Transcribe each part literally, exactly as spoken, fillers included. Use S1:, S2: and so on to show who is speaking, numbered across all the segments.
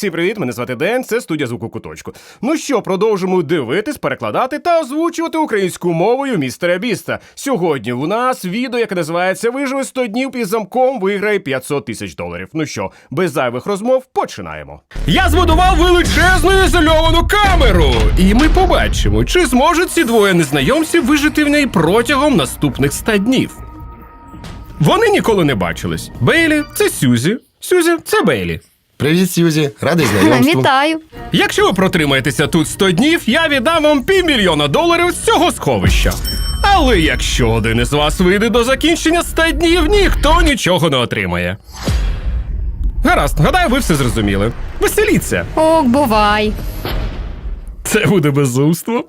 S1: Всім привіт, мене звати Ден, це студія Звуку Куточку. Ну що, продовжимо дивитись, перекладати та озвучувати українською мовою містера Біста. Сьогодні у нас відео, яке називається «Виживи сто днів під замком, виграє п'ятсот тисяч доларів». Ну що, без зайвих розмов, починаємо. Я збудував величезну ізольовану камеру! І ми побачимо, чи зможуть ці двоє незнайомців вижити в неї протягом наступних ста днів. Вони ніколи не бачились. Бейлі – це Сюзі, Сюзі – це Бейлі.
S2: Привіт, Сюзі. Радий знайомству.
S3: Вітаю.
S1: Якщо ви протримаєтеся тут сто днів, я віддам вам півмільйона доларів з цього сховища. Але якщо один із вас вийде до закінчення ста днів, ніхто нічого не отримає. Гаразд, гадаю, ви все зрозуміли. Веселіться.
S3: Ок, бувай.
S1: Це буде безумство.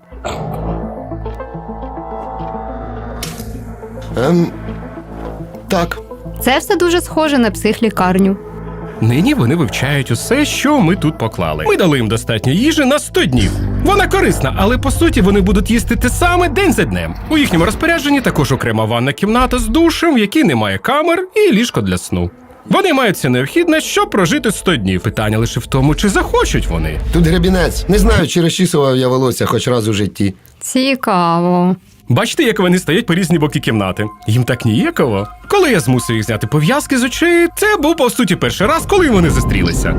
S2: Ем, так.
S3: Це все дуже схоже на психлікарню.
S1: Нині вони вивчають усе, що ми тут поклали. Ми дали їм достатньо їжі на сто днів. Вона корисна, але по суті вони будуть їсти те саме день за днем. У їхньому розпорядженні також окрема ванна кімната з душем, в якій немає камер, і ліжко для сну. Вони мають все необхідне, щоб прожити сто днів. Питання лише в тому, чи захочуть вони.
S2: Тут гребінець. Не знаю, чи розчісував я волосся хоч раз у житті.
S3: Цікаво.
S1: Бачите, як вони стоять по різні боки кімнати? Їм так ніяково. Коли я змусив їх зняти пов'язки з очей, це був, по суті, перший раз, коли вони зустрілися.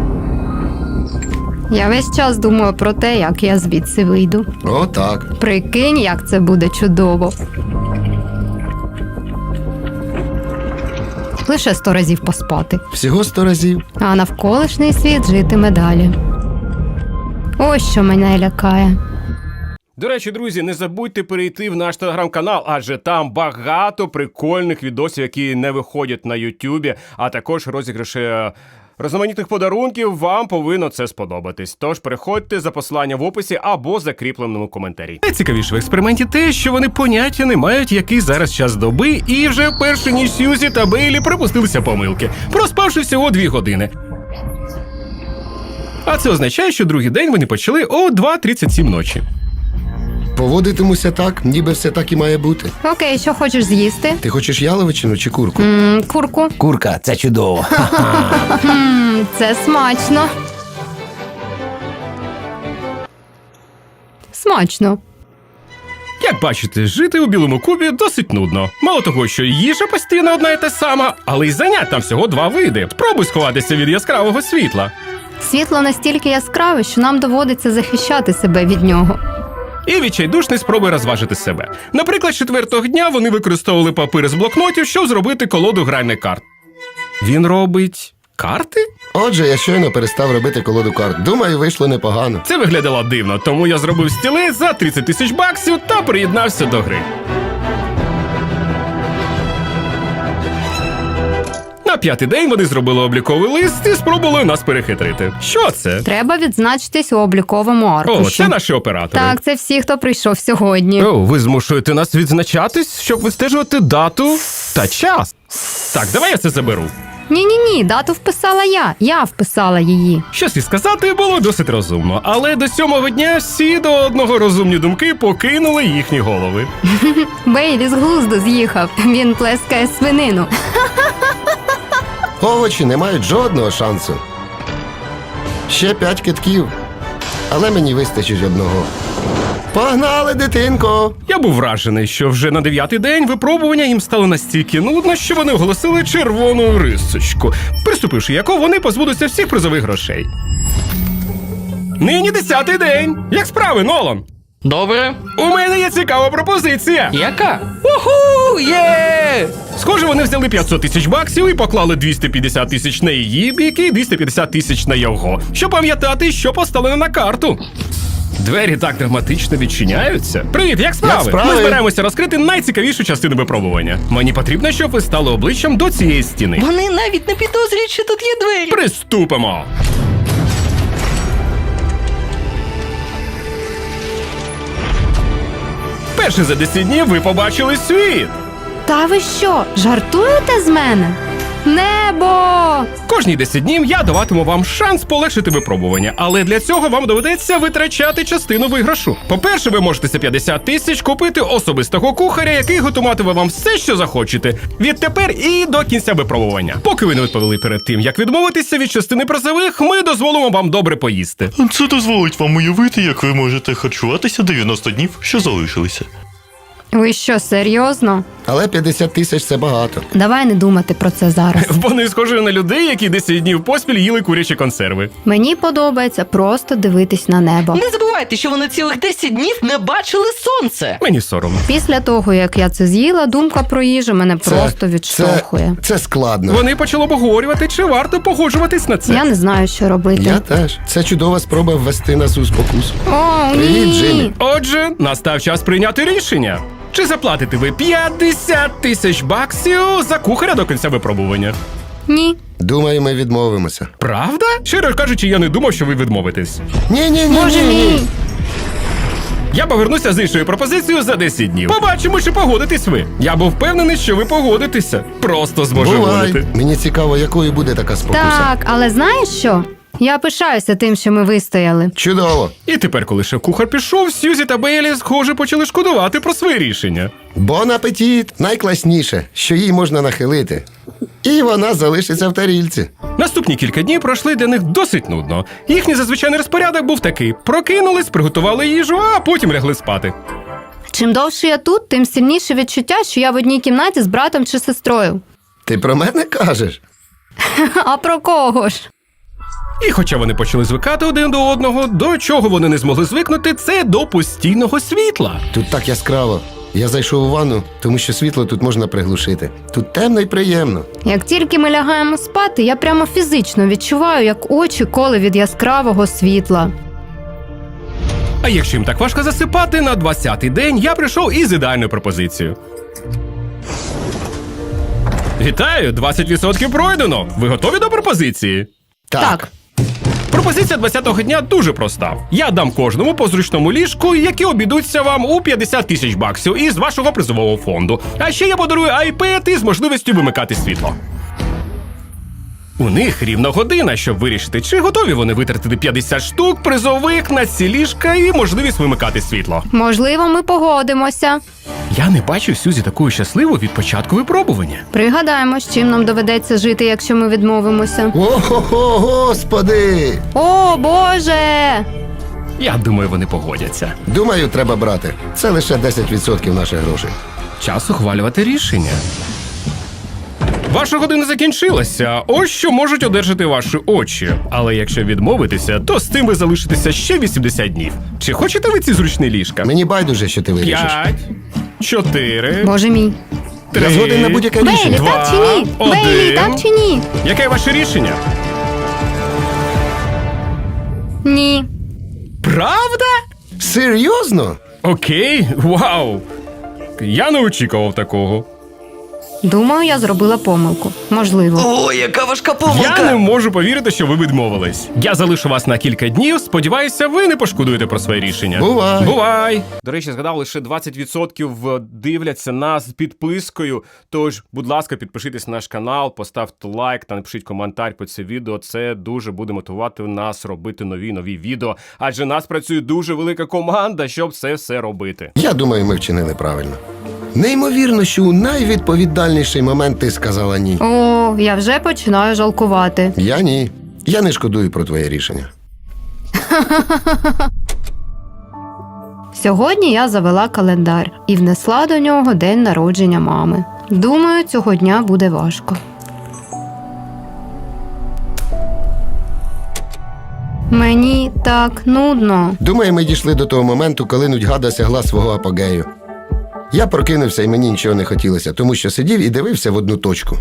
S3: Я весь час думаю про те, як я звідси вийду.
S2: О, так.
S3: Прикинь, як це буде чудово. Лише сто разів поспати.
S2: Всього сто разів.
S3: А навколишній світ житиме далі. Ось що мене лякає.
S1: До речі, друзі, не забудьте перейти в наш телеграм-канал, адже там багато прикольних відосів, які не виходять на Ютубі, а також розіграші е, різноманітних подарунків. Вам повинно це сподобатись. Тож переходьте за посиланням в описі або закріпленому коментарі. Найцікавіше в експерименті те, що вони поняття не мають, який зараз час доби, і вже перші ніж Сюзі та Бейлі припустилися помилки, проспавши всього дві години. А це означає, що другий день вони почали о два тридцять сім ночі.
S2: Поводитимуся так, ніби все так і має бути.
S3: Окей, що хочеш з'їсти?
S2: Ти хочеш яловичину чи курку?
S3: М, курку.
S2: Курка, це чудово.
S3: М, це смачно. Смачно.
S1: Як бачите, жити у Білому Кубі досить нудно. Мало того, що їжа постійно одна і та сама, але й занять там всього два види. Спробуй сховатися від яскравого світла.
S3: Світло настільки яскраве, що нам доводиться захищати себе від нього.
S1: І відчайдушний спробуй розважити себе. Наприклад, четвертого дня вони використовували папір з блокнотів, щоб зробити колоду гральних карт. Він робить карти?
S2: Отже, я щойно перестав робити колоду карт. Думаю, вийшло непогано.
S1: Це виглядало дивно, тому я зробив стілець за тридцять тисяч баксів та приєднався до гри. На п'ятий день вони зробили обліковий лист і спробували нас перехитрити. Що це?
S3: Треба відзначитись у обліковому аркуші.
S1: О, це наші оператори.
S3: Так, це всі, хто прийшов сьогодні.
S1: О, ви змушуєте нас відзначатись, щоб вистежувати дату та час. Так, давай я це заберу.
S3: Ні-ні-ні, дату вписала я. Я вписала її.
S1: Щось і сказати було досить розумно, але до сьомого дня всі до одного розумні думки покинули їхні голови.
S3: Бейлі з глузду з'їхав. Він плескає свинину.
S2: Овочі не мають жодного шансу. Ще п'ять китків. Але мені вистачить одного. Погнали, дитинко!
S1: Я був вражений, що вже на дев'ятий день випробування їм стало настільки нудно, що вони оголосили червону рисочку, приступивши яку вони позбудуться всіх призових грошей. Нині десятий день. Як справи, Нолан?
S4: Добре.
S1: У мене є цікава пропозиція.
S4: Яка? Уху! Є!
S1: Схоже, вони взяли п'ятсот тисяч баксів і поклали двісті п'ятдесят тисяч на її бік і двісті п'ятдесят тисяч на його, щоб пам'ятати, що поставлено на карту. Двері так драматично відчиняються. Привіт, як справи?
S2: Як справи?
S1: Ми збираємося розкрити найцікавішу частину випробування. Мені потрібно, щоб ви стали обличчям до цієї стіни.
S4: Вони навіть не підозрюють, що тут є двері.
S1: Приступимо! Перше за десять днів ви побачили світ.
S3: Та ви що, жартуєте з мене? Небо!
S1: Кожні десять днів я даватиму вам шанс полегшити випробування, але для цього вам доведеться витрачати частину виграшу. По-перше, ви можете за п'ятдесят тисяч купити особистого кухаря, який готуватиме вам все, що захочете. Відтепер і до кінця випробування. Поки ви не відповіли перед тим, як відмовитися від частини призових, ми дозволимо вам добре поїсти.
S5: Це дозволить вам уявити, як ви можете харчуватися дев'яносто днів, що залишилися.
S3: Ви що, серйозно?
S2: Але п'ятдесят тисяч це багато.
S3: Давай не думати про це зараз.
S1: Вони схожі на людей, які десять днів поспіль їли курячі консерви.
S3: Мені подобається просто дивитись на небо.
S4: Не забувайте, що вони цілих десять днів не бачили сонце.
S1: Мені соромно.
S3: Після того, як я це з'їла, думка про їжу мене просто відштовхує.
S2: Це, це складно.
S1: Вони почали обговорювати, чи варто погоджуватись на це.
S3: Я не знаю, що робити.
S2: Я теж. Це чудова спроба ввести нас у спокусу.
S3: О,
S2: Привіт,
S3: ні!
S2: Джиммі.
S1: Отже, настав час прийняти рішення. Чи заплатите ви п'ятдесят тисяч баксів за кухаря до кінця випробування?
S3: Ні.
S2: Думаю, ми відмовимося.
S1: Правда? Щиро кажучи, я не думав, що ви відмовитесь.
S2: Ні, ні, ні,
S3: Боже
S2: ні,
S3: мій!
S2: ні.
S1: Я повернуся з іншою пропозицією за десять днів. Побачимо, чи погодитесь ви. Я був впевнений, що ви погодитеся. Просто
S2: Бувай.
S1: зможеволити.
S2: Мені цікаво, якою буде така спокуса.
S3: Так, але знаєш що? Я пишаюся тим, що ми вистояли.
S2: Чудово.
S1: І тепер, коли шеф-кухар пішов, Сьюзі та Бейлі, схоже, почали шкодувати про своє рішення.
S2: Бон апетит! Найкласніше, що їй можна нахилити. І вона залишиться в тарільці.
S1: Наступні кілька днів пройшли для них досить нудно. Їхній зазвичайний розпорядок був такий: прокинулись, приготували їжу, а потім лягли спати.
S3: Чим довше я тут, тим сильніше відчуття, що я в одній кімнаті з братом чи сестрою.
S2: Ти про мене кажеш?
S3: А про кого ж?
S1: І хоча вони почали звикати один до одного, до чого вони не змогли звикнути, це до постійного світла.
S2: Тут так яскраво. Я зайшов у ванну, тому що світло тут можна приглушити. Тут темно і приємно.
S3: Як тільки ми лягаємо спати, я прямо фізично відчуваю, як очі коли від яскравого світла.
S1: А якщо їм так важко засипати, на двадцятий день я прийшов із ідеальною пропозицією. Вітаю! двадцять відсотків пройдено! Ви готові до пропозиції?
S3: Так.
S1: Пропозиція двадцятого дня дуже проста. Я дам кожному по зручному ліжку, які обійдуться вам у п'ятдесят тисяч баксів із вашого призового фонду. А ще я подарую iPad із можливістю вимикати світло. У них рівно година, щоб вирішити, чи готові вони витратити п'ятдесят штук призових на ці ліжка і можливість вимикати світло.
S3: Можливо, ми погодимося.
S1: Я не бачив Сюзі такою щасливою від початку випробування.
S3: Пригадаємо, з чим нам доведеться жити, якщо ми відмовимося.
S2: О-хо-хо, господи!
S3: О, Боже!
S1: Я думаю, вони погодяться.
S2: Думаю, треба брати. Це лише десять відсотків наших грошей.
S1: Час ухвалювати рішення. Ваша година закінчилася. Ось що можуть одержати ваші очі. Але якщо відмовитеся, то з тим ви залишитеся ще вісімдесят днів. Чи хочете ви ці зручні ліжка?
S2: Мені байдуже, що ти вирішиш.
S1: П'ять, чотири,
S3: Боже мій.
S1: три.
S2: Я згоден на будь-яке
S3: Бейлі,
S2: рішення.
S1: Два,
S3: так чи ні? Бейлі,
S1: один.
S3: так чи ні?
S1: Яке ваше рішення?
S3: Ні.
S1: Правда?
S2: Серйозно?
S1: Окей, вау. Я не очікував такого.
S3: Думаю, я зробила помилку. Можливо.
S4: О, яка важка
S1: Я не
S4: помилка.
S1: можу повірити, що ви відмовились. Я залишу вас на кілька днів. Сподіваюся, ви не пошкодуєте про своє рішення.
S2: Бувай.
S1: Бувай. До речі, згадав, лише двадцять відсотків дивляться нас з підпискою. Тож, будь ласка, підпишіться на наш канал, поставте лайк та напишіть коментар під це відео. Це дуже буде мотивувати нас робити нові нові відео. Адже нас працює дуже велика команда, щоб це все робити.
S2: Я думаю, ми вчинили правильно. Неймовірно, що у найвідповідальніший момент ти сказала ні.
S3: О, я вже починаю жалкувати.
S2: Я ні. Я не шкодую про твоє рішення.
S3: Сьогодні я завела календар і внесла до нього день народження мами. Думаю, цього дня буде важко. Мені так нудно.
S2: Думаю, ми дійшли до того моменту, коли нудьга досягла свого апогею. Я прокинувся і мені нічого не хотілося, тому що сидів і дивився в одну точку.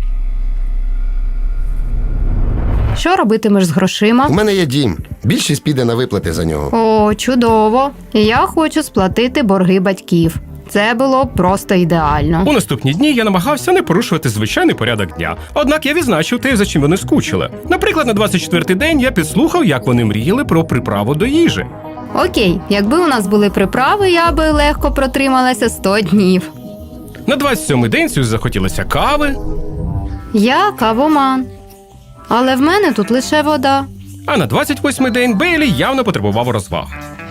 S3: Що робитимеш з грошима?
S2: У мене є дім. Більшість піде на виплати за нього.
S3: О, чудово. І я хочу сплатити борги батьків. Це було б просто ідеально.
S1: У наступні дні я намагався не порушувати звичайний порядок дня. Однак я відзначив те, за чим вони скучили. Наприклад, на двадцять четвертий день я підслухав, як вони мріяли про приправу до їжі.
S3: Окей, якби у нас були приправи, я би легко протрималася сто днів.
S1: На двадцять сьомий день Сюзі захотілося кави.
S3: Я кавоман. Але в мене тут лише вода.
S1: А на двадцять восьмий день Бейлі явно потребував розваг.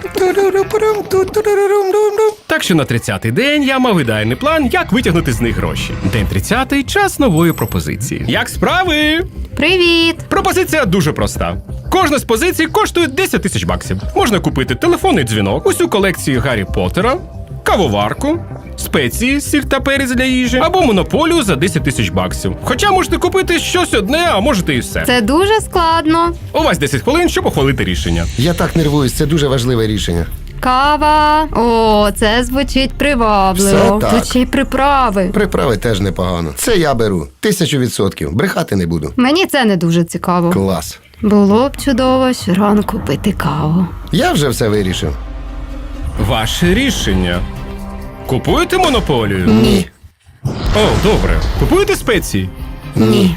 S1: Так що на тридцятий день я мав ідеальний план, як витягнути з них гроші. День тридцятий – час нової пропозиції. Як справи?
S3: Привіт!
S1: Пропозиція дуже проста. Кожна з позицій коштує десять тисяч баксів. Можна купити телефонний дзвінок, усю колекцію Гаррі Поттера, кавоварку, спеції, сіль та перець для їжі, або монополію за десять тисяч баксів. Хоча можете купити щось одне, а можете і все.
S3: Це дуже складно.
S1: У вас десять хвилин, щоб ухвалити рішення.
S2: Я так нервуюсь, це дуже важливе рішення.
S3: Кава. О, це звучить привабливо.
S2: Все так.
S3: Тут ще й приправи.
S2: Приправи теж непогано. Це я беру. Тисячу відсотків. Брехати не буду.
S3: Мені це не дуже цікаво.
S2: Клас.
S3: Було б чудово щоранку пити каву.
S2: Я вже все вирішив.
S1: Ваше рішення. Купуєте монополію?
S2: Ні.
S1: О, добре. Купуєте спеції?
S3: Ні.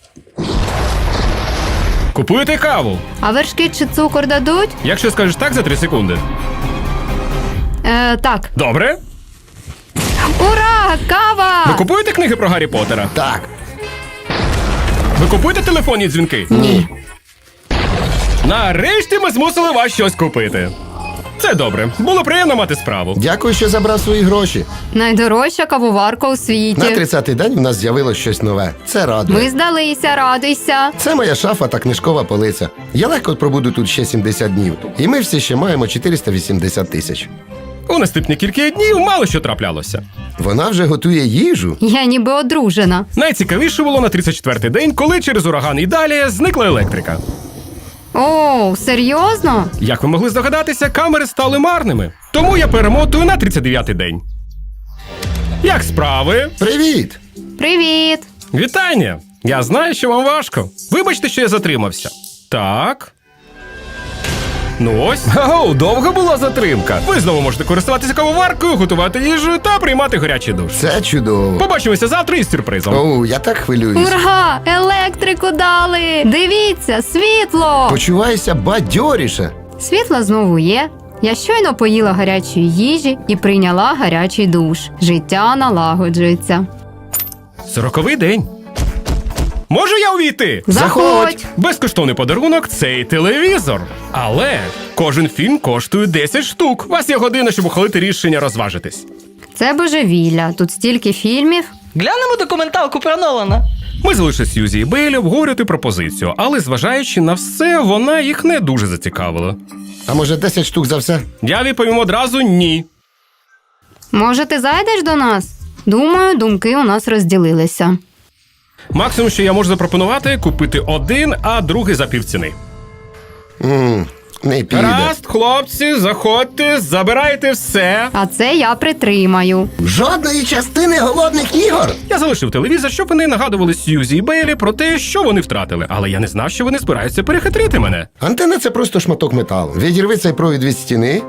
S1: Купуєте каву?
S3: А вершки чи цукор дадуть?
S1: Якщо скажеш так за три секунди.
S3: Е, так.
S1: Добре.
S3: Ура! Кава!
S1: Ви купуєте книги про Гаррі Поттера?
S2: Так.
S1: Ви купуєте телефонні дзвінки?
S2: Ні.
S1: Нарешті ми змусили вас щось купити. Це добре. Було приємно мати справу.
S2: Дякую, що забрав свої гроші.
S3: Найдорожча кавоварка у світі.
S2: На тридцятий день в нас з'явилось щось нове. Це радує.
S3: Ми здалися, радуйся.
S2: Це моя шафа та книжкова полиця. Я легко пробуду тут ще сімдесят днів. І ми всі ще маємо чотириста вісімдесят тисяч.
S1: У наступні кілька днів мало що траплялося.
S2: Вона вже готує їжу.
S3: Я ніби одружена.
S1: Найцікавіше було на тридцять четвертий день, коли через ураган Ідалія зникла електрика.
S3: О, серйозно?
S1: Як ви могли здогадатися, камери стали марними. Тому я перемотую на тридцять дев'ятий день. Як справи?
S2: Привіт!
S3: Привіт.
S1: Вітання! Я знаю, що вам важко. Вибачте, що я затримався. Так. Ну ось. Ого, довга була затримка. Ви знову можете користуватися кавоваркою, готувати їжу та приймати гарячий душ.
S2: Це чудово.
S1: Побачимося завтра із сюрпризом.
S2: Оу, я так хвилююсь.
S3: Ура! Електрику дали! Дивіться, світло!
S2: Почуваюся бадьоріше.
S3: Світло знову є. Я щойно поїла гарячої їжі і прийняла гарячий душ. Життя налагоджується.
S1: Сороковий день. Можу я увійти?
S3: Заходь!
S1: Безкоштовний подарунок – цей телевізор. Але кожен фільм коштує десять штук. У вас є година, щоб ухвалити рішення розважитись.
S3: Це божевілля. Тут стільки фільмів.
S4: Глянемо документалку про Нолана.
S1: Ми залишили Сьюзі і Бейлі обговорювати пропозицію, але зважаючи на все, вона їх не дуже зацікавила.
S2: А може десять штук за все?
S1: Я відповім одразу ні.
S3: Може, ти зайдеш до нас? Думаю, думки у нас розділилися.
S1: Максимум, що я можу запропонувати, купити один, а другий за півціни.
S2: Ммм, не піде.
S1: Гаразд, хлопці, заходьте, забирайте все.
S3: А це я притримаю.
S2: Жодної частини голодних ігор.
S1: Я залишив телевізор, щоб вони нагадували Сьюзі і Бейлі про те, що вони втратили. Але я не знав, що вони збираються перехитрити мене.
S2: Антенна – це просто шматок металу. Відірви цей провід від стіни.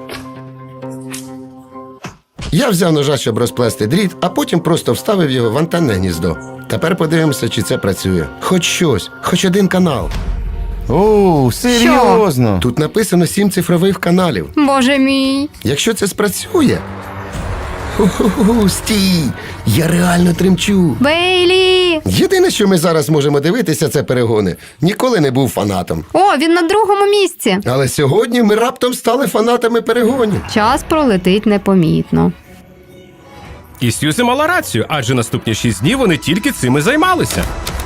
S2: Я взяв ножа, щоб розплести дріт, а потім просто вставив його в антенне гніздо. Тепер подивимося, чи це працює. Хоч щось, хоч один канал.
S6: О, серйозно?
S2: Тут написано сім цифрових каналів.
S3: Боже мій.
S2: Якщо це спрацює. Ху-ху-ху, стій! Я реально тремчу.
S3: Бейлі!
S2: Єдине, що ми зараз можемо дивитися, це перегони. Ніколи не був фанатом.
S3: О, він на другому місці.
S2: Але сьогодні ми раптом стали фанатами перегонів.
S3: Час пролетить непомітно.
S1: І Сьюзі мала рацію, адже наступні шість днів вони тільки цим і займалися.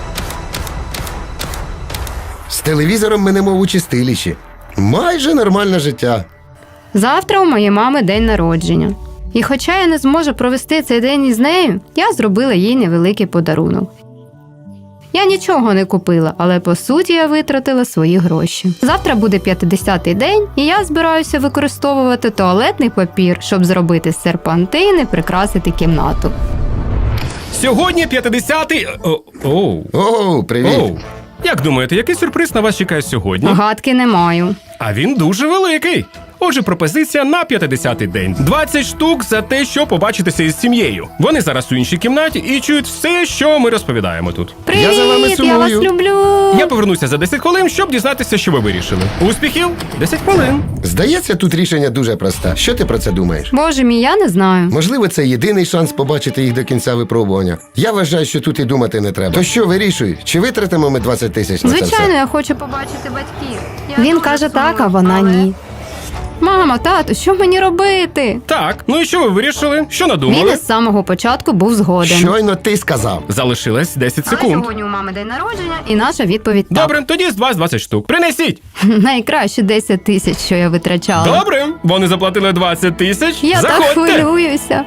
S2: З телевізором ми немов у чистилищі. Майже нормальне життя.
S3: Завтра у моєї мами день народження. І хоча я не зможу провести цей день із нею, я зробила їй невеликий подарунок. Я нічого не купила, але по суті я витратила свої гроші. Завтра буде п'ятдесятий день, і я збираюся використовувати туалетний папір, щоб зробити з серпантин і прикрасити кімнату.
S1: Сьогодні п'ятдесятий... О, оу.
S2: Оу, привіт.
S1: Оу. Як думаєте, який сюрприз на вас чекає сьогодні?
S3: Гадки не маю.
S1: А він дуже великий. Отже, пропозиція на п'ятдесятий день. двадцять штук за те, що побачитися із сім'єю. Вони зараз у іншій кімнаті і чують все, що ми розповідаємо тут.
S3: Привіт,
S2: Я за вами
S3: я вас
S2: сумую.
S3: люблю.
S1: Я повернуся за десять хвилин, щоб дізнатися, що ви вирішили. Успіхів! десять хвилин.
S2: Здається, тут рішення дуже просте. Що ти про це думаєш?
S3: Боже мій, я не знаю.
S2: Можливо, це єдиний шанс побачити їх до кінця випробування. Я вважаю, що тут і думати не треба. То що, вирішуй, чи витратимо ми двадцять тисяч на це
S3: Звичайно,
S2: все?
S3: я хочу побачити батьків. Він каже так, а вона ні. Мамо, тату, що мені робити?
S1: Так, ну і що ви вирішили? Що
S3: Він
S1: надумали?
S3: із самого початку був згоден.
S2: Щойно ти сказав.
S1: Залишилось десять
S3: Але
S1: секунд.
S3: сьогодні у мами день народження, і наша відповідь так.
S1: Добре, тоді з вас двадцять штук. Принесіть!
S3: Найкраще десять тисяч, що я витрачала.
S1: Добре, вони заплатили двадцять тисяч.
S3: Я так
S1: Заходьте!
S3: хвилююся.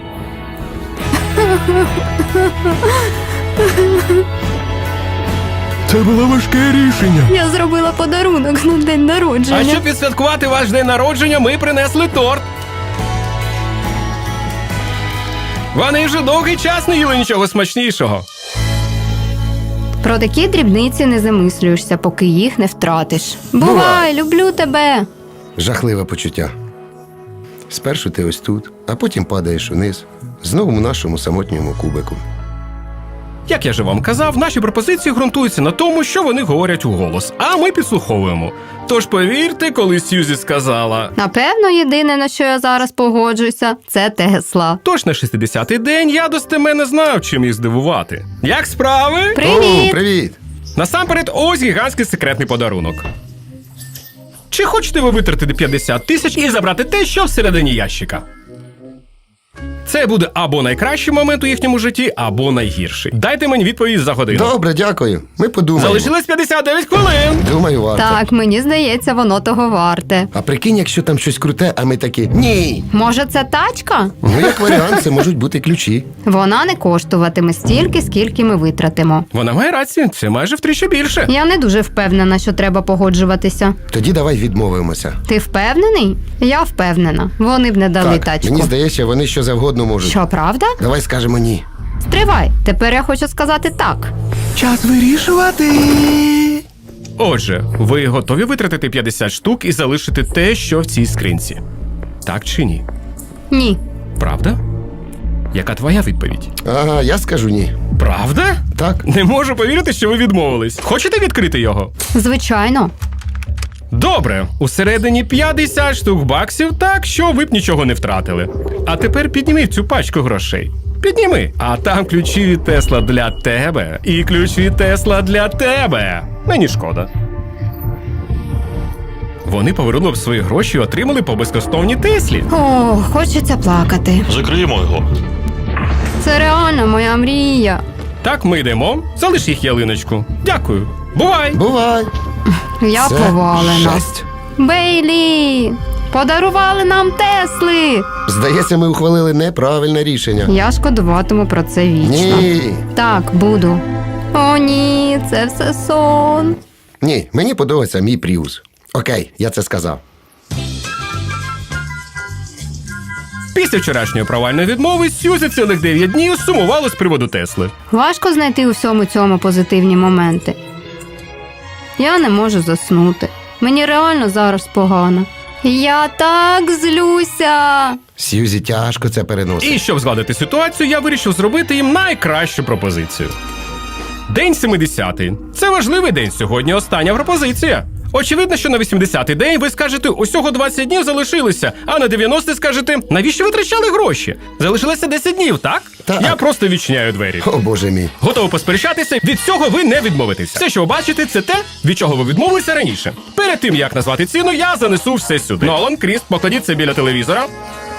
S1: Це було важке рішення.
S3: Я зробила подарунок на день народження.
S1: А щоб відсвяткувати ваш день народження, ми принесли торт. Вони вже довгий час не їли нічого смачнішого.
S3: Про такі дрібниці не замислюєшся, поки їх не втратиш. Бувай,
S2: Бувай.
S3: люблю тебе.
S2: Жахливе почуття. Спершу ти ось тут, а потім падаєш униз, знову в нашому самотньому кубику.
S1: Як я же вам казав, наші пропозиції ґрунтуються на тому, що вони говорять у голос, а ми підслуховуємо. Тож повірте, коли Сьюзі сказала.
S3: Напевно, єдине, на що я зараз погоджуюся, це Тесла.
S1: Тож на шістдесятий день я достеменно знав, чим їх здивувати. Як справи?
S3: Привіт!
S2: О, привіт!
S1: Насамперед, ось гігантський секретний подарунок. Чи хочете ви витратити п'ятдесят тисяч і забрати те, що всередині ящика? Це буде або найкращий момент у їхньому житті, або найгірший. Дайте мені відповідь за годину.
S2: Добре, дякую. Ми подумаємо.
S1: Залишилось п'ятдесят дев'ять хвилин.
S2: Думаю, варто.
S3: Так, мені здається, воно того варте.
S2: А прикинь, якщо там щось круте, а ми такі ні.
S3: Може, це тачка?
S2: Ну, як варіант, це можуть бути ключі.
S3: Вона не коштуватиме стільки, скільки ми витратимо.
S1: Вона має рацію, це майже втричі більше.
S3: Я не дуже впевнена, що треба погоджуватися.
S2: Тоді давай відмовимося.
S3: Ти впевнений? Я впевнена. Вони б не дали
S2: Так,
S3: тачку.
S2: мені здається, вони що завгодно можуть.
S3: Що, правда?
S2: Давай скажемо ні.
S3: Стривай. Тепер я хочу сказати так.
S1: Час вирішувати. Отже, ви готові витратити п'ятдесят штук і залишити те, що в цій скринці? Так чи ні?
S3: Ні.
S1: Правда? Яка твоя відповідь?
S2: Ага, я скажу ні.
S1: Правда?
S2: Так.
S1: Не можу повірити, що ви відмовились. Хочете відкрити його?
S3: Звичайно.
S1: Добре, усередині п'ятдесят штук баксів, так що ви б нічого не втратили. А тепер підніми цю пачку грошей. Підніми. А там ключі від Тесла для тебе. І ключ від Тесла для тебе. Мені шкода. Вони повернули б свої гроші і отримали по безкоштовній Теслі.
S3: О, хочеться плакати.
S5: Закриємо його.
S3: Це реально моя мрія.
S1: Так, ми йдемо. Залиш їх ялиночку. Дякую. Бувай!
S2: Бувай.
S3: Я
S2: Це
S3: повалена.
S2: жесть.
S3: Бейлі! Подарували нам Тесли!
S2: Здається, ми ухвалили неправильне рішення.
S3: Я шкодуватиму про це вічно.
S2: Ні.
S3: Так, буду. О, ні, це все сон.
S2: Ні, мені подобається мій Пріус. Окей, я це сказав.
S1: Після вчорашньої провальної відмови Сьюзі цілих дев'ять днів сумувало з приводу Тесли.
S3: Важко знайти у всьому цьому позитивні моменти. Я не можу заснути. Мені реально зараз погано. Я так злюся.
S2: Сьюзі тяжко це переносить.
S1: І щоб згладити ситуацію, я вирішив зробити їм найкращу пропозицію. День сімдесятий. Це важливий день сьогодні, остання пропозиція. Очевидно, що на вісімдесятий день ви скажете, усього двадцять днів залишилося, а на дев'яностий скажете, навіщо ви витрачали гроші? Залишилося десять днів, так?
S2: Так.
S1: Я просто відчиняю двері.
S2: О, боже мій.
S1: Готовий посперечатися, від цього ви не відмовитеся. Все, що ви бачите, це те, від чого ви відмовилися раніше. Перед тим, як назвати ціну, я занесу все сюди. Нолан, Кріс, покладіть це біля телевізора.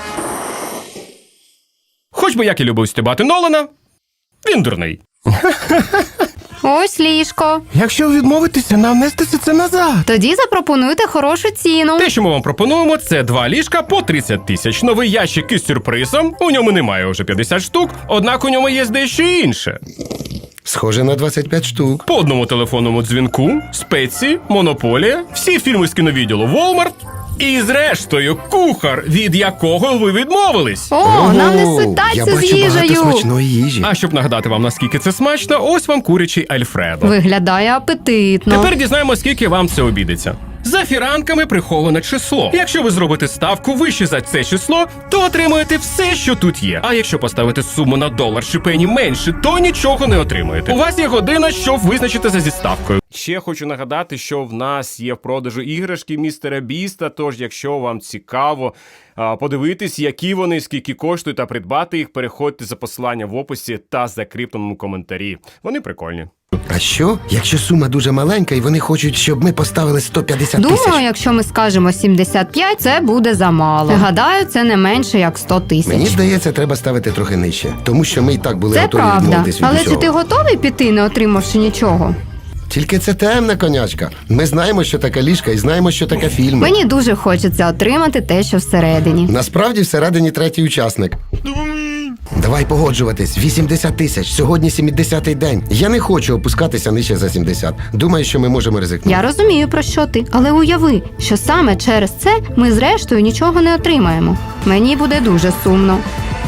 S1: Хоч би як і любив стібати Нолана, він дурний.
S3: Ось ліжко.
S1: Якщо ви відмовитеся, нам нестися це назад.
S3: Тоді запропонуйте хорошу ціну.
S1: Те, що ми вам пропонуємо, це два ліжка по тридцять тисяч. Новий ящик із сюрпризом. У ньому немає вже п'ятдесят штук, однак у ньому є дещо інше.
S2: Схоже на двадцять п'ять штук.
S1: По одному телефонному дзвінку, спеції, монополія, всі фільми з кіновідділу Walmart і, зрештою, кухар, від якого ви відмовились.
S3: О, нам
S2: Ого,
S3: несуть тайці
S2: я
S3: з
S2: бачу багато
S3: їжею.
S2: смачної їжі.
S1: А щоб нагадати вам, наскільки це смачно, ось вам курячий Альфредо.
S3: Виглядає апетитно.
S1: Тепер дізнаємося, скільки вам це обійдеться. За фіранками приховане число. Якщо ви зробите ставку вище за це число, то отримаєте все, що тут є. А якщо поставити суму на долар чи пені менше, то нічого не отримаєте. У вас є година, щоб визначитися зі ставкою. Ще хочу нагадати, що в нас є в продажу іграшки містера Біста, тож якщо вам цікаво а, подивитись, які вони, скільки коштують та придбати їх, переходьте за посиланням в описі та закріпленому коментарі. Вони прикольні.
S2: А що, якщо сума дуже маленька і вони хочуть, щоб ми поставили сто п'ятдесят тисяч?
S3: Думаю, якщо ми скажемо сімдесят п'ять, це буде замало. Гадаю, це не менше як сто тисяч.
S2: Мені здається, треба ставити трохи нижче, тому що ми і так були
S3: Це
S2: готові
S3: правда.
S2: відмовитись від
S3: Але
S2: усього.
S3: чи ти готовий піти, не отримавши нічого?
S2: Тільки це темна конячка. Ми знаємо, що таке ліжка, і знаємо, що таке фільми.
S3: Мені дуже хочеться отримати те, що всередині.
S2: Насправді всередині третій учасник. Давай погоджуватись. вісімдесят тисяч. Сьогодні сімдесятий день. Я не хочу опускатися нижче за сімдесят. Думаю, що ми можемо ризикнути.
S3: Я розумію, про що ти, але уяви, що саме через це ми зрештою нічого не отримаємо. Мені буде дуже сумно.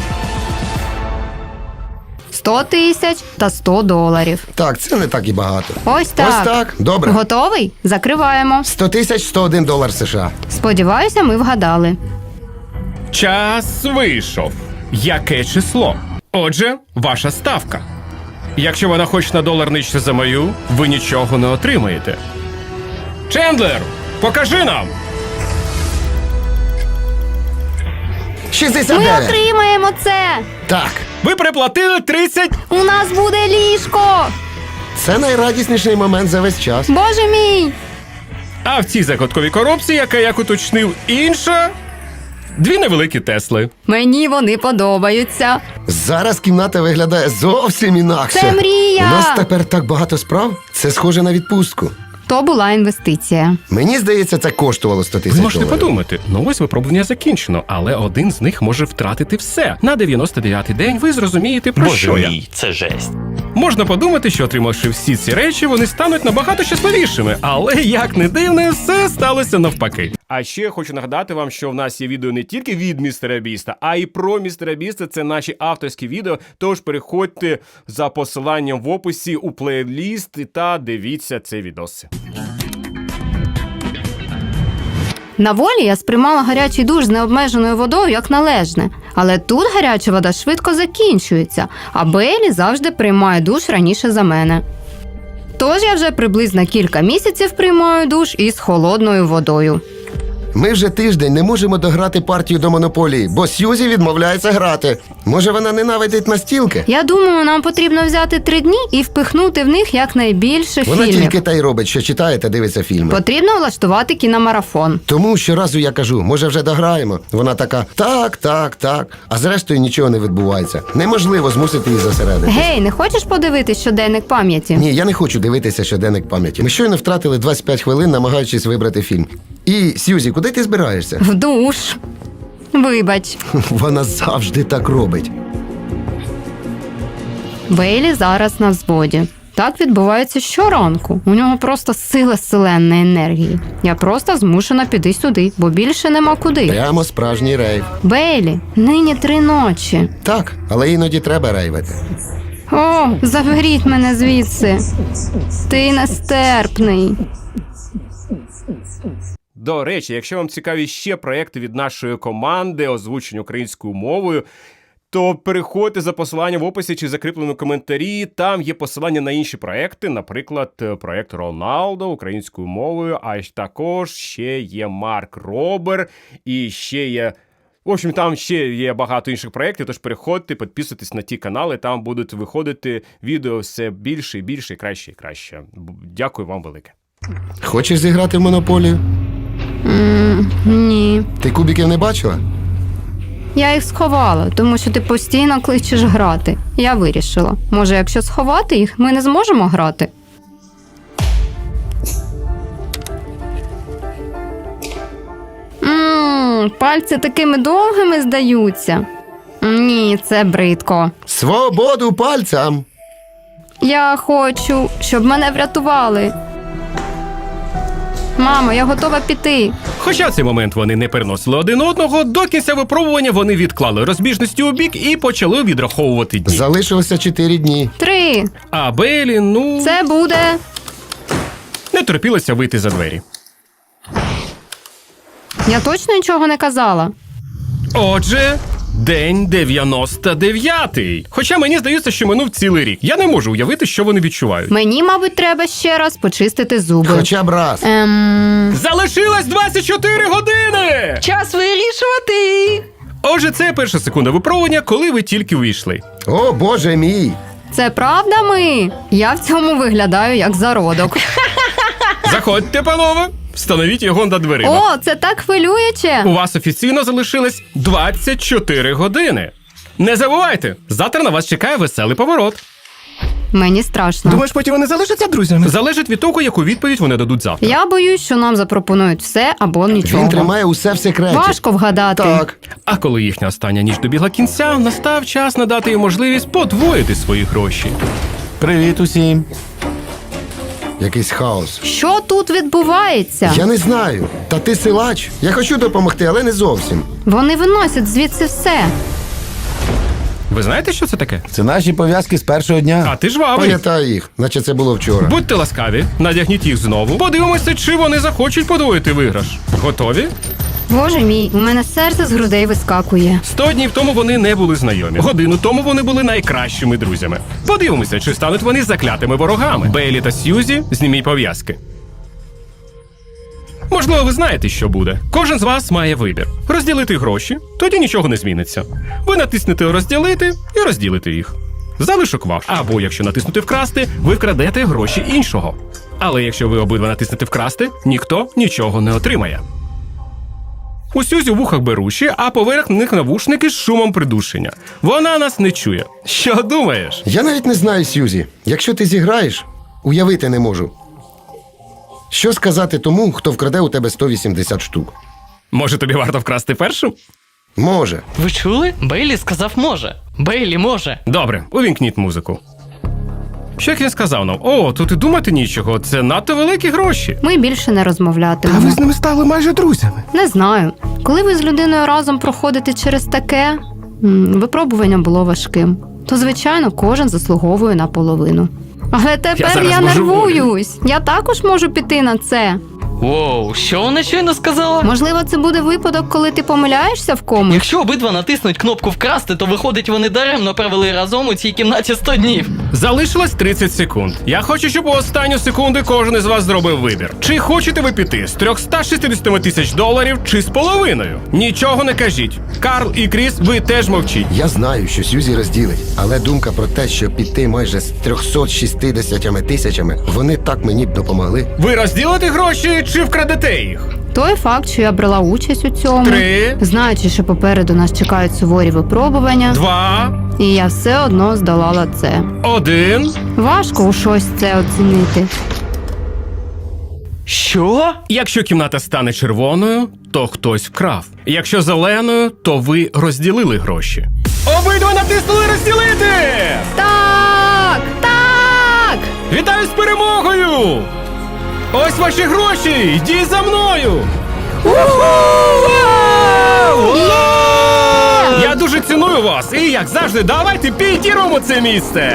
S3: сто тисяч та сто доларів.
S2: Так, це не так і багато.
S3: Ось так.
S2: Ось так. Добре.
S3: Готовий? Закриваємо.
S2: сто тисяч сто один долар США.
S3: Сподіваюся, ми вгадали.
S1: Час вийшов. Яке число? Отже, ваша ставка. Якщо вона хоч на долар нижче за мою, ви нічого не отримаєте. Чендлер, покажи нам!
S2: шістдесят
S3: Ми
S2: дев'ять.
S3: отримаємо це!
S2: Так.
S1: Ви приплатили тридцять...
S3: У нас буде ліжко!
S2: Це найрадісніший момент за весь час.
S3: Боже мій!
S1: А в цій загадковій коробці, яка, як уточнив, інша... Дві невеликі Тесли.
S3: Мені вони подобаються.
S2: Зараз кімната виглядає зовсім інакше.
S3: Це мрія!
S2: У нас тепер так багато справ. Це схоже на відпустку.
S3: То була інвестиція.
S2: Мені здається, це коштувало сто тисяч
S1: Ви можете
S2: доларів.
S1: подумати, ну ось випробування закінчено, але один з них може втратити все. На дев'яносто дев'ятий день ви зрозумієте, про
S5: Боже
S1: що я.
S5: мій, це жесть.
S1: Можна подумати, що отримавши всі ці речі, вони стануть набагато щасливішими, але як не дивне, все сталося навпаки. А ще хочу нагадати вам, що в нас є відео не тільки від містера Біста, а й про містера Біста. Це наші авторські відео. Тож переходьте за посиланням в описі у плейліст та дивіться це відоси.
S3: На волі я сприймала гарячий душ з необмеженою водою як належне. Але тут гаряча вода швидко закінчується, а Бейлі завжди приймає душ раніше за мене. Тож я вже приблизно кілька місяців приймаю душ із холодною водою.
S2: Ми вже тиждень не можемо дограти партію до монополії, бо Сьюзі відмовляється грати. Може, вона ненавидить настілки?
S3: Я думаю, нам потрібно взяти три дні і впихнути в них якнайбільше
S2: Вона
S3: фільмів.
S2: тільки та й робить, що читає та дивиться фільми.
S3: Потрібно влаштувати кіномарафон.
S2: Тому щоразу я кажу, може вже дограємо. Вона така, так, так, так. А зрештою нічого не відбувається. Неможливо змусити її зосередитись.
S3: Гей, не хочеш подивитись щоденник пам'яті?
S2: Ні, я не хочу дивитися щоденник пам'яті. Ми щойно втратили двадцять п'ять хвилин, намагаючись вибрати фільм. І, Сьюзі, куди ти збираєшся?
S3: В душ. Вибач.
S2: Вона завжди так робить.
S3: Бейлі зараз на взводі. Так відбувається щоранку. У нього просто сила селенної енергії. Я просто змушена піти сюди, бо більше нема куди.
S2: Прямо справжній рейв.
S3: Бейлі, нині три ночі.
S2: Так, але іноді треба рейвити.
S3: О, заберіть мене звідси. Ти нестерпний.
S1: До речі, якщо вам цікаві ще проекти від нашої команди, озвучені українською мовою, то переходьте за посиланням в описі чи закріпленому коментарі. Там є посилання на інші проекти, наприклад, проект Роналдо українською мовою, а також ще є Марк Робер і ще є... В общем, там ще є багато інших проєктів, тож переходьте, підписуйтесь на ті канали, там будуть виходити відео все більше і більше, і краще і краще. Дякую вам велике.
S2: Хочеш зіграти в монополію?
S3: М, ні.
S2: Ти кубиків не бачила?
S3: Я їх сховала, тому що ти постійно кличеш грати. Я вирішила. Може, якщо сховати їх, ми не зможемо грати? Ммм, пальці такими довгими здаються. Ні, це бридко.
S2: Свободу пальцям!
S3: Я хочу, щоб мене врятували. Мамо, я готова піти.
S1: Хоча в цей момент вони не переносили один одного, до кінця випробування вони відклали розбіжності у бік і почали відраховувати дні.
S2: Залишилося чотири дні.
S3: Три.
S1: А Бейлі, ну,
S3: Це буде.
S1: не терпілося вийти за двері.
S3: Я точно нічого не казала.
S1: Отже, день дев'яносто дев'ятий. Хоча мені здається, що минув цілий рік. Я не можу уявити, що вони відчувають.
S3: Мені, мабуть, треба ще раз почистити зуби.
S2: Хоча б раз.
S3: Ем...
S1: Залишилось двадцять чотири години!
S4: Час вирішувати.
S1: Отже, це перша секунда випробування, коли ви тільки увійшли.
S2: О, боже мій!
S3: Це правда ми? Я в цьому виглядаю як зародок.
S1: Заходьте, панове, встановіть його над дверима.
S3: О, це так хвилююче.
S1: У вас офіційно залишилось двадцять чотири години. Не забувайте, завтра на вас чекає веселий поворот.
S3: Мені страшно.
S1: Думаєш, потім вони залишаться друзями? Залежить від того, яку відповідь вони дадуть завтра.
S3: Я боюсь, що нам запропонують все або нічого.
S2: Він тримає усе в секреті.
S3: Важко вгадати.
S2: Так.
S1: А коли їхня остання ніч добігла кінця, настав час надати їм можливість подвоїти свої гроші.
S6: Привіт усім.
S2: Якийсь хаос.
S3: Що тут відбувається?
S2: Я не знаю. Та ти силач. Я хочу допомогти, але не зовсім.
S3: Вони виносять звідси все.
S1: Ви знаєте, що це таке?
S6: Це наші пов'язки з першого дня.
S1: А ти жвавий.
S2: Пам'ятаю їх, наче це було вчора.
S1: Будьте ласкаві, надягніть їх знову. Подивимося, чи вони захочуть подвоїти виграш. Готові?
S3: Боже мій, у мене серце з грудей вискакує.
S1: Сто днів тому вони не були знайомі. Годину тому вони були найкращими друзями. Подивимося, чи стануть вони заклятими ворогами. Бейлі та Сьюзі, зніміть пов'язки. Можливо, ви знаєте, що буде. Кожен з вас має вибір. Розділити гроші, тоді нічого не зміниться. Ви натиснете «Розділити» і розділите їх. Залишок ваш. Або, якщо натиснути «Вкрасти», ви вкрадете гроші іншого. Але якщо ви обидва натиснете «Вкрасти», ніхто нічого не отримає. У Сюзі в вухах беруші, а поверх них навушники з шумом придушення. Вона нас не чує. Що думаєш?
S2: Я навіть не знаю, Сьюзі. Якщо ти зіграєш, уявити не можу. Що сказати тому, хто вкраде у тебе сто вісімдесят штук?
S1: Може, тобі варто вкрасти першу?
S2: Може.
S4: Ви чули? Бейлі сказав може. Бейлі може.
S1: Добре, увімкніть музику. Що як він сказав нам? О, тут і думати нічого, це надто великі гроші.
S3: Ми більше не розмовлятимемо.
S1: ними стали майже друзями.
S3: Не знаю. Коли ви з людиною разом проходите через таке, м, випробування було важким, то, звичайно, кожен заслуговує на половину. Але тепер
S1: зараз
S3: я,
S1: божеволію.
S3: нервуюсь. Я також можу піти на це.
S4: Воу, що вона щойно сказала?
S3: Можливо, це буде випадок, коли ти помиляєшся в комусь?
S4: Якщо обидва натиснуть кнопку вкрасти, то виходить, вони даремно провели разом у цій кімнаті сто днів.
S1: Залишилось тридцять секунд. Я хочу, щоб у останню секунду кожен із вас зробив вибір. Чи хочете ви піти з триста шістдесят тисяч доларів, чи з половиною? Нічого не кажіть. Карл і Кріс, ви теж мовчіть.
S2: Я знаю, що Сьюзі розділить, але думка про те, що піти майже з триста шістдесят тисячами, вони так мені б допомогли.
S1: Ви розділите гроші чи вкрадете їх?
S3: Той факт, що я брала участь у цьому,
S1: Три.
S3: знаючи, що попереду нас чекають суворі випробування,
S1: Два,
S3: і я все одно здолала це.
S1: один.
S3: Важко у щось це оцінити.
S4: Що?
S1: Якщо кімната стане червоною, то хтось вкрав. Якщо зеленою, то ви розділили гроші. Обидва натиснули розділити!
S3: Так! Так!
S1: Вітаю з перемогою! Ось ваші гроші! Йдіть за мною! Я дуже ціную вас! І як завжди, давайте підірвемо це місце!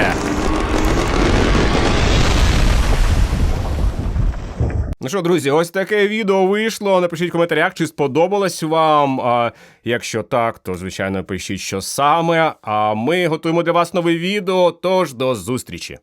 S1: Ну що, друзі, ось таке відео вийшло. Напишіть в коментарях, чи сподобалось вам. А якщо так, то, звичайно, пишіть, що саме. А ми готуємо для вас нове відео, тож до зустрічі!